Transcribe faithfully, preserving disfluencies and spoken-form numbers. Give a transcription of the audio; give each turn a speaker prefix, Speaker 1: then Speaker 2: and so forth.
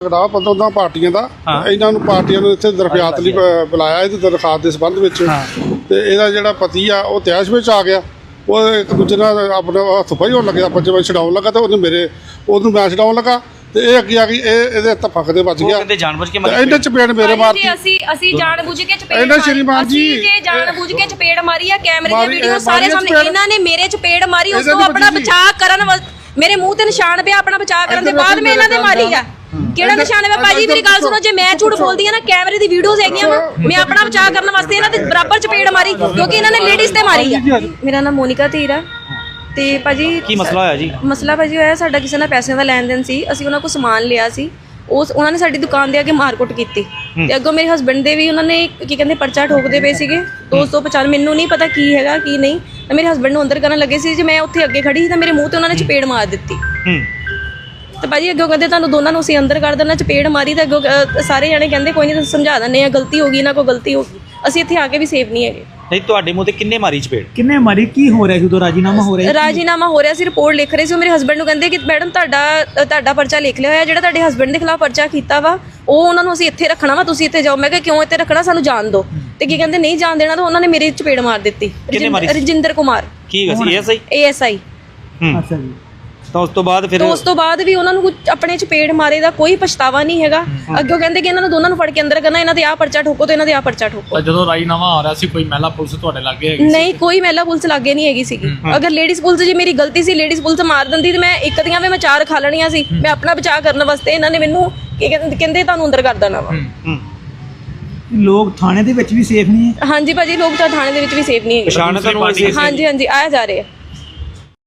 Speaker 1: ਝਗੜਾ ਪੰਦਰਾਂ ਪਾਰਟੀਆਂ ਦਾ ਇਹਨਾਂ ਨੂੰ ਪਾਰਟੀਆਂ ਨੂੰ ਇੱਥੇ ਦਰਖਾਸਤ ਲਈ ਬੁਲਾਇਆ ਇਹਦੀ ਦਰਖਾਸਤ ਦੇ ਸੰਬੰਧ ਵਿੱਚ ਤੇ ਇਹਦਾ ਜਿਹੜਾ ਪਤੀ ਆ ਉਹ ਤੈਸ਼ ਵਿੱਚ ਆ ਗਿਆ। ਉਹ ਇੱਕ ਦੂਜੇ ਨਾਲ ਆਪਣੇ ਹੱਥ ਪਾਈ ਹੋਣ ਲੱਗਿਆ, ਪੰਜ ਵਜੇ ਛਡਾਉਣ ਲੱਗਾ ਤੇ ਉਹਨੂੰ ਮੇਰੇ ਉਹਨੂੰ ਮੈਂ ਛਡਾਉਣ ਲੱਗਾ ਤੇ ਇਹ ਅੱਗੇ ਆ ਗਈ, ਇਹ ਇਹਦੇ ਤਫਕ ਦੇ ਵੱਜ ਗਿਆ।
Speaker 2: ਕਹਿੰਦੇ ਜਾਨਬੁੱਝ ਕੇ ਮਾਰੀ,
Speaker 1: ਇਹਨੇ ਚਪੇੜ ਮੇਰੇ ਮਾਰਤੀ।
Speaker 3: ਅਸੀਂ ਅਸੀਂ ਜਾਣਬੁੱਝ ਕੇ ਚਪੇੜ
Speaker 1: ਇਹਨਾਂ ਸ਼੍ਰੀਮਾਨ ਜੀ
Speaker 3: ਅਸੀਂ ਜਾਣਬੁੱਝ ਕੇ ਚਪੇੜ ਮਾਰੀ ਆ। ਕੈਮਰੇ ਦੀ ਵੀਡੀਓ ਸਾਰੇ ਸਾਹਮਣੇ ਇਹਨਾਂ ਨੇ ਮੇਰੇ ਚਪੇੜ ਮਾਰੀ। ਉਸ ਤੋਂ ਆਪਣਾ ਬਚਾਅ ਕਰਨ ਮੇਰੇ ਮੂੰਹ ਤੇ ਨਿਸ਼ਾਨ ਪਿਆ, ਆਪਣਾ ਬਚਾਅ ਕਰਨ ਦੇ ਬਾਅਦ ਮੈਂ ਇਹਨਾਂ ਦੇ ਮਾਰੀ ਆ। ਕਿਹੜਾ ਨਿਸ਼ਾਨ ਹੈ ਭਾਜੀ? ਮੇਰੀ ਗੱਲ ਸੁਣੋ, ਜੇ ਮੈਂ ਝੂਠ ਬੋਲਦੀ ਆ ਨਾ, ਕੈਮਰੇ ਦੀ ਵੀਡੀਓਜ਼ ਹੈਗੀਆਂ ਵਾ, ਮੈਂ ਆਪਣਾ ਬਚਾਅ ਕਰਨ ਵਾਸਤੇ ਇਹਨਾਂ ਦੇ ਬਰਾਬਰ ਚਪੇੜ ਮਾਰੀ ਕਿਉਂਕਿ ਇਹਨਾਂ ਨੇ ਲੇਡੀਜ਼ ਤੇ ਮਾਰੀ ਆ। ਮੇਰਾ ਨਾਮ ਮੋਨਿਕਾ ਧੀਰ ਆ ਤੇ ਭਾਜੀ
Speaker 2: ਕੀ ਮਸਲਾ ਹੋਇਆ ਜੀ? ਮਸਲਾ
Speaker 3: ਭਾਜੀ ਹੋਇਆ ਸਾਡਾ ਕਿਸੇ ਨਾਲ ਪੈਸਿਆਂ ਦਾ ਲੈਣ ਦੇਣ ਸੀ। ਅਸੀਂ ਉਹਨਾਂ ਕੋਲ ਸਮਾਨ ਲਿਆ ਸੀ, ਉਸ ਉਹਨਾਂ ਨੇ ਸਾਡੀ ਦੁਕਾਨ ਦੇ ਅੱਗੇ ਮਾਰਕੁੱਟ ਕੀਤੀ ਤੇ ਅੱਗੋਂ ਮੇਰੇ ਹਸਬੰਡ ਦੇ ਵੀ ਉਹਨਾਂ ਨੇ ਕੀ ਕਹਿੰਦੇ ਪਰਚਾ ਠੋਕਦੇ ਪਏ ਸੀਗੇ ਦੋ ਸੌ ਪਚਾਨਵੇਂ। ਮੈਨੂੰ ਨਹੀਂ ਪਤਾ ਕੀ ਹੈਗਾ ਕੀ ਨਹੀਂ। ਮੇਰੇ ਹਸਬੰਡ ਨੂੰ ਅੰਦਰ ਕਰਨ ਲੱਗੇ ਸੀ, ਜੇ ਮੈਂ ਉੱਥੇ ਅੱਗੇ ਖੜੀ ਸੀ ਤਾਂ ਮੇਰੇ ਮੂੰਹ ਤੇ ਉਹਨਾਂ ਨੇ ਚਪੇੜ ਮਾਰ ਦਿੱਤੀ ਤੇ ਭਾਜੀ ਅੱਗੋਂ ਕਹਿੰਦੇ ਤੁਹਾਨੂੰ ਦੋਨਾਂ ਨੂੰ ਅਸੀਂ ਅੰਦਰ ਕਰ ਦੇਣਾ। ਚਪੇੜ ਮਾਰੀ ਤਾਂ ਅੱਗੋਂ ਸਾਰੇ ਜਾਣੇ ਕਹਿੰਦੇ ਕੋਈ ਨਹੀਂ ਤੁਸੀਂ ਸਮਝਾ ਦਿੰਦੇ ਆ, ਗਲਤੀ ਹੋ ਗਈ, ਇਹਨਾਂ ਕੋਲ ਗਲਤੀ ਹੋ ਗਈ। ਅਸੀਂ ਇੱਥੇ ਆ ਕੇ ਵੀ ਸੇਫ ਨਹੀਂ ਹੈਗੇ।
Speaker 2: ਨਹੀਂ, ਤੁਹਾਡੇ ਮੂੰਹ ਤੇ ਕਿੰਨੇ ਮਾਰੀ ਚਪੇੜ?
Speaker 4: ਕਿੰਨੇ ਮਾਰੀ? ਕੀ ਹੋ ਰਿਹਾ ਸੀ ਉਦੋਂ? ਰਾਜੀਨਾਮਾ ਹੋ ਰਿਹਾ?
Speaker 3: ਰਾਜੀਨਾਮਾ ਹੋ ਰਿਹਾ ਸੀ, ਰਿਪੋਰਟ ਲਿਖ ਰਹੇ ਸੀ। ਮੇਰੇ ਹਸਬੰਡ ਨੂੰ ਕਹਿੰਦੇ ਕਿ ਮੈਡਮ ਤੁਹਾਡਾ ਤੁਹਾਡਾ ਪਰਚਾ ਲਿਖ ਲਿਆ ਹੋਇਆ, ਜਿਹੜਾ ਤੁਹਾਡੇ ਹਸਬੰਡ ਦੇ ਖਿਲਾਫ ਪਰਚਾ ਕੀਤਾ ਵਾ ਉਹ ਉਹਨਾਂ ਨੂੰ ਅਸੀਂ ਇੱਥੇ ਰੱਖਣਾ ਵਾ, ਤੁਸੀਂ ਇੱਥੇ ਜਾਓ। ਮੈਂ ਕਿਹਾ ਕਿਉਂ ਇੱਥੇ ਰੱਖਣਾ, ਸਾਨੂੰ ਜਾਣ ਦਿਓ। ਤੇ ਕੀ ਕਹਿੰਦੇ ਨਹੀਂ ਜਾਣ ਦੇਣਾ, ਤਾਂ ਉਹਨਾਂ ਨੇ ਮੇਰੇ ਚਪੇੜ ਮਾਰ ਦਿੱਤੀ। ਰਜਿੰਦਰ ਕੁਮਾਰ
Speaker 2: ਕੀ ਸੀ? S I
Speaker 3: A S I.
Speaker 4: ਅੱਛਾ ਜੀ।
Speaker 2: ਤਾਂ ਉਸ ਤੋਂ ਬਾਅਦ ਫਿਰ
Speaker 3: ਉਸ ਤੋਂ ਬਾਅਦ ਵੀ ਉਹਨਾਂ ਨੂੰ ਕੁਝ ਆਪਣੇ ਚਪੇੜ ਮਾਰੇ ਦਾ ਕੋਈ ਪਛਤਾਵਾ ਨਹੀਂ ਹੈਗਾ। ਅੱਗੇ ਕਹਿੰਦੇ ਕਿ ਇਹਨਾਂ ਨੂੰ ਦੋਨਾਂ ਨੂੰ ਫੜ ਕੇ ਅੰਦਰ ਕਰਨਾ, ਇਹਨਾਂ ਦੇ ਆਹ ਪਰਚਾ ਠੋਕੋ ਤੇ ਇਹਨਾਂ ਦੇ ਆਹ ਪਰਚਾ ਠੋਕੋ।
Speaker 5: ਜਦੋਂ ਰਾਜੀਨਾਮਾ ਆ ਰਿਹਾ ਸੀ ਕੋਈ ਮਹਿਲਾ ਪੁਲਿਸ ਤੁਹਾਡੇ ਲਾਗੇ ਹੈਗੀ?
Speaker 3: ਨਹੀਂ, ਕੋਈ ਮਹਿਲਾ ਪੁਲਿਸ ਲਾਗੇ ਨਹੀਂ ਹੈਗੀ ਸੀਗੀ। ਅਗਰ ਲੇਡੀਜ਼ ਪੁਲਿਸ ਜੀ ਮੇਰੀ ਗਲਤੀ ਸੀ, ਲੇਡੀਜ਼ ਪੁਲਿਸ ਮਾਰ ਦਿੰਦੀ ਤੇ ਮੈਂ ਇੱਕ ਦੀਆਂ ਵੀ ਮੈਂ ਚਾਰ ਖਾ ਲੈਣੀਆਂ ਸੀ। ਮੈਂ ਆਪਣਾ ਬਚਾਅ ਕਰਨ ਵਾਸਤੇ ਇਹਨਾਂ ਨੇ ਮੈਨੂੰ ਕੀ ਕਹਿੰਦੇ ਤੁਹਾਨੂੰ ਅੰਦਰ ਕਰ ਦੇਣਾ ਵਾ।
Speaker 4: ਲੋਕ ਥਾਣੇ ਦੇ ਵਿੱਚ ਵੀ ਸੇਫ ਨਹੀਂ ਹੈ?
Speaker 3: ਹਾਂਜੀ ਭਾਜੀ, ਲੋਕ ਤਾਂ ਥਾਣੇ ਦੇ ਵਿੱਚ ਵੀ ਸੇਫ ਨਹੀਂ ਹੈਗੇ।
Speaker 2: ਪਛਾਣ ਤੁਹਾਨੂੰ?
Speaker 3: ਹਾਂਜੀ ਹਾਂਜੀ ਆਇਆ ਜਾ ਰਿਹਾ।